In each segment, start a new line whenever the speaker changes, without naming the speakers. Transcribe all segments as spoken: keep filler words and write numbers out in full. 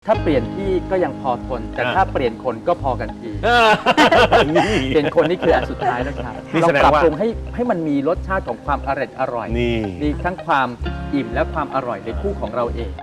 ถ้าเปลี่ยนที่ก็ยังพอทนแต่ถ้าเปลี่ยนคนก็พอกันทีเปลี่ยนคนนี่คืออันสุดท้ายนะครับเราปรับปรุงให้ให้มันมีรสชาติของความอร่อยอร่อยมีทั้งความอิ่มและความอร่อยในคู่ของเราเอง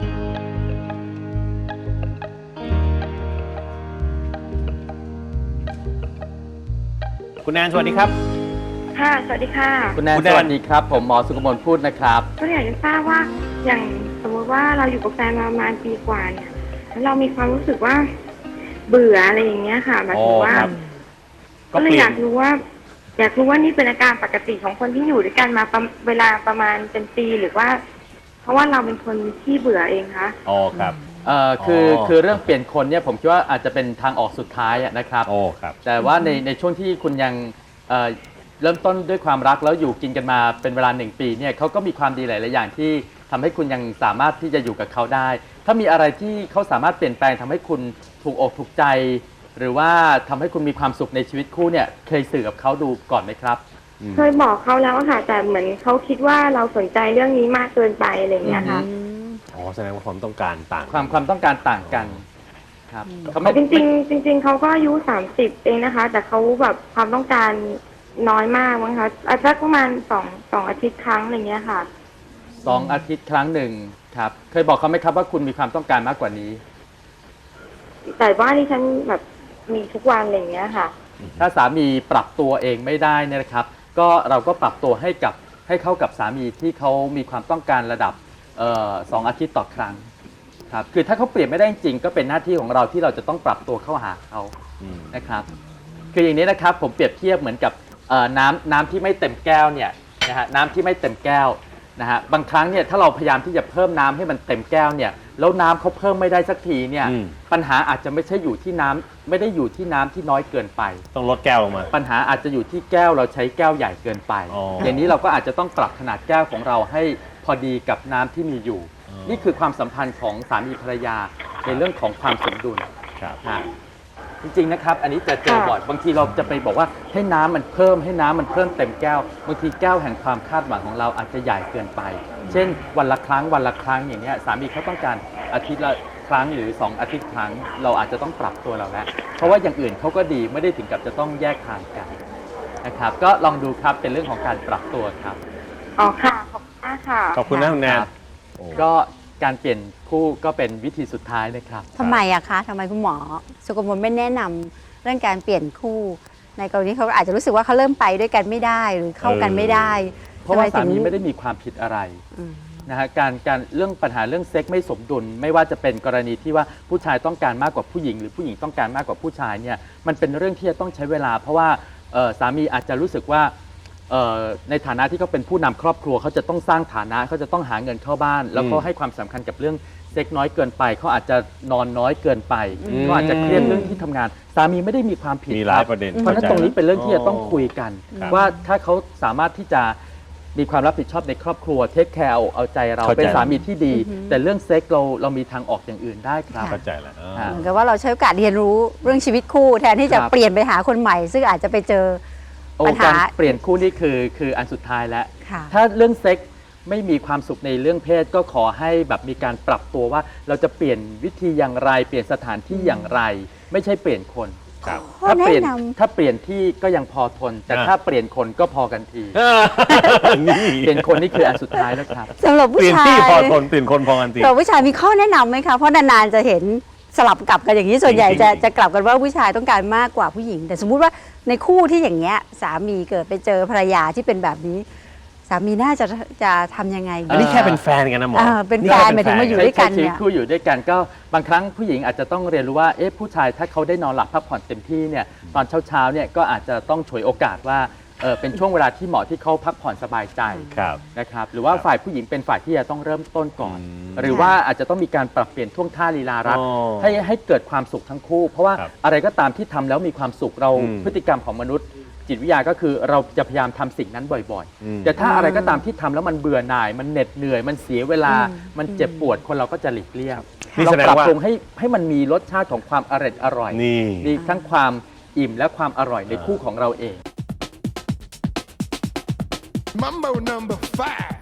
คุณแอนสวัสดีครับ
ค่ะสวัสดีค่ะ
คุณแอนสวัสดีครับผมหมอสุกมลพูดนะครับ
ก็อยากจะทราบว่าอย่างสมมติว่าเราอยู่กับแฟนมาประมาณปีกว่าเนี่ยแล้วเรามีความรู้สึกว่าเบื่ออะไรอย่างเงี้ยค่ะหมายถึงว่าก็เลยอยากรู้ว่าอยากรู้ว่านี่เป็นอาการปกติของคนที่อยู่ด้วยกันมาเวลาประมาณเป็นปีหรือว่าเพราะว่าเราเป็นคนที่เบื่อเองคะ
อ๋อครับ
เอ่อคือคือเรื่องเปลี่ยนคนเนี่ยผมคิดว่าอาจจะเป็นทางออกสุดท้ายนะครับ
โอ้ครับ
แต่ว่าในในช่วงที่คุณยังเอ่อเริ่มต้นด้วยความรักแล้วอยู่กินกันมาเป็นเวลาหนึ่งปีเนี่ยเขาก็มีความดีหลายๆอย่างที่ทำให้คุณยังสามารถที่จะอยู่กับเขาได้ถ้ามีอะไรที่เขาสามารถเปลี่ยนแปลงทำให้คุณถูกอกถูกใจหรือว่าทำให้คุณมีความสุขในชีวิตคู่เนี่ยเคยสื่อกับเขาดูก่อนไหมครับ
เคยบอกเขาแล้วค่ะแต่เหมือนเขาคิดว่าเราสนใจเรื่องนี้มากเกินไปอะไรอย่างเงี้ยค่ะ
อ๋อแสดงว่าความต้องการต่าง
ความความต้องการต่างกันครับ
จริงจริงจริงเขาก็อายุสามสิบเองนะคะแต่เขาแบบความต้องการน้อยมากมั้งคะอาทิตย์ประมาณสองสองอาทิตย์ครั้งอะไรเงี้ยค่ะ
สองอาทิตย์ครั้งหนึ่งครับเคยบอกเขาไหมครับว่าคุณมีความต้องการมากกว่านี้
แต่ว่าที่ฉันแบบมีทุกวันอะไรเงี้ยค่ะ
ถ้าสามีปรับตัวเองไม่ได้เนี่ยนะครับก็เราก็ปรับตัวให้กับให้เข้ากับสามีที่เขามีความต้องการระดับเอ่อสองอาทิตย์ต่อครั้งครับคือถ้าเขาเปลี่ยนไม่ได้จริงก็เป็นหน้าที่ของเราที่เราจะต้องปรับตัวเข้าหาเขานะครับคืออย่างนี้นะครับผมเปรียบเทียบเหมือนกับน้ำน้ำที่ไม่เต็มแก้วเนี่ยนะฮะน้ำที่ไม่เต็มแก้วนะฮะบางครั้งเนี่ยถ้าเราพยายามที่จะเพิ่มน้ำให้มันเต็มแก้วเนี่ยแล้วน้ำเขาเพิ่มไม่ได้สักทีเนี่ยปัญหาอาจจะไม่ใช่อยู่ที่น้ำไม่ได้อยู่ที่น้ำที่น้อยเกินไป
ต้องลดแก้วลงมา
ปัญหาอาจจะอยู่ที่แก้วเราใช้แก้วใหญ่เกินไปอย่างนี้เราก็อาจจะต้องปรับขนาดแก้วของเราให้พอดีกับน้ำที่มีอยู่นี่คือความสัมพันธ์ของสามีภรรยาในเรื่องของความสมดุล
ครับ
จริงๆนะครับอันนี้จะเจอบ่อยบางทีเราจะไปบอกว่าให้น้ำมันเพิ่มให้น้ำมันเพิ่มเต็มแก้วบางทีแก้วแห่งความคาดหวังของเราอาจจะใหญ่เกินไปเช่นวันละครั้งวันละครั้งอย่างนี้สามีเขาต้องการอาทิตย์ละครั้งหรือสองอาทิตย์ครั้งเราอาจจะต้องปรับตัวเราแล้วเพราะว่าอย่างอื่นเขาก็ดีไม่ได้ถึงกับจะต้องแยกทางกันนะครับก็ลองดูครับเป็นเรื่องของการปรับตัวครับ
อ๋อค่ะขอบคุณมากค่ะ
ขอบคุณนะคุณแนน
ก็การเปลี่ยนคู่ก็เป็นวิธีสุดท้ายนะครับ
ทำไมอะคะทำไมคุณหมอสุกมลไม่แนะนำเรื่องการเปลี่ยนคู่ในกรณีเขาอาจจะรู้สึกว่าเขาเริ่มไปด้วยกันไม่ได้หรือเข้ากันไม่ได้
เพราะว่าสามีไม่ได้มีความผิดอะไรนะฮะการการเรื่องปัญหาเรื่องเซ็กไม่สมดุลไม่ว่าจะเป็นกรณีที่ว่าผู้ชายต้องการมากกว่าผู้หญิงหรือผู้หญิงต้องการมากกว่าผู้ชายเนี่ยมันเป็นเรื่องที่จะต้องใช้เวลาเพราะว่าสามีอาจจะรู้สึกว่าในฐานะที่เขาเป็นผู้นำครอบครัวเขาจะต้องสร้างฐานะเขาจะต้องหาเงินเข้าบ้านแล้วก็ให้ความสำคัญกับเรื่องเซ็กน้อยเกินไปเขาอาจจะนอนน้อยเกินไปเขาอาจจะเครียดเรื่องที่ทำงานสามีไม่ได้มีความผิด
มีหลายประเด็น
เพราะฉะนั้นตรงนี้เป็นเรื่องที่จะต้องคุยกันว่าถ้าเขาสามารถที่จะมีความรับผิดชอบในครอบครัวเทคแคร์เอาใจเราเป็นสามีที่ดีแต่เรื่องเซ็กเราเรามีทางออกอย่างอื่นได้ครับ
เข้าใจแล้ว
เหมือนกับว่าเราใช้โอกาสเรียนรู้เรื่องชีวิตคู่แทนที่จะเปลี่ยนไปหาคนใหม่ซึ่งอาจจะไปเจอปัญหา
เปลี่ยนคู่นี่คือคืออันสุดท้ายแล้วถ้าเรื่องเซ็กไม่มีความสุขในเรื่องเพศก็ขอให้แบบมีการปรับตัวว่าเราจะเปลี่ยนวิธีอย่างไรเปลี่ยนสถานที่อย่างไรไม่ใช่เปลี่ยนคนถ้าเปลี่ยนถ้าเปลี่ยนที่ก็ยังพอทนแต่ถ้าเปลี่ยนคนก็พอกันทีเปลี่ยนคนนี่คืออันสุดท้ายแล้วครับ
สำหรับผู้ชาย
เปลี่ยนที่พอทนเปลี่ยนคนพอกันที
สำหรับผู้ชายมีข้อแนะนำไหมคะเพราะนานๆจะเห็นสลับกลับกันอย่างนี้ส่วนใหญ่จะจะกลับกันว่าผู้ชายต้องการมากกว่าผู้หญิงแต่สมมุติว่าในคู่ที่อย่างเงี้ยสามีเกิดไปเจอภรรยาที่เป็นแบบนี้สามีน่าจะจะทำยังไง
อันนี้แค่เป็นแฟนกันนะหมอ
เป็นแฟนหมายถึงมาอยู่ด้วยกันเนี่ย
คู่อยู่ด้วยกันก็บางครั้งผู้หญิงอาจจะต้องเรียนรู้ว่าเอ๊ะผู้ชายถ้าเขาได้นอนหลับพักผ่อนเต็มที่เนี่ยตอนเช้าๆเนี่ยก็อาจจะต้องฉวยโอกาสว่าเออเป็นช่วงเวลาที่เหมาะที่เขาพักผ่อนสบายใจนะครับหรือว่าฝ่ายผู้หญิงเป็นฝ่ายที่จะต้องเริ่มต้นก่อนหรือว่าอาจจะต้องมีการปรับเปลี่ยนท่วงท่าลีลารักให้ให้เกิดความสุขทั้งคู่เพราะว่าอะไรก็ตามที่ทำแล้วมีความสุขเราพฤติกรรมของมนุษย์จิตวิทยาก็คือเราจะพยายามทำสิ่งนั้นบ่อยๆแต่ถ้าอะไรก็ตามที่ทำแล้วมันเบื่อหน่ายมันเหน็ดเหนื่อยมันเสียเวลามันเจ็บปวดคนเราก็จะหลีกเลี่ยงเราปรับปรุงให้ให้มันมีรสชาติของความอร่อยอร่อยมีทั้งความอิ่มและความอร่อยในคู่ของเราเอง Mambo number five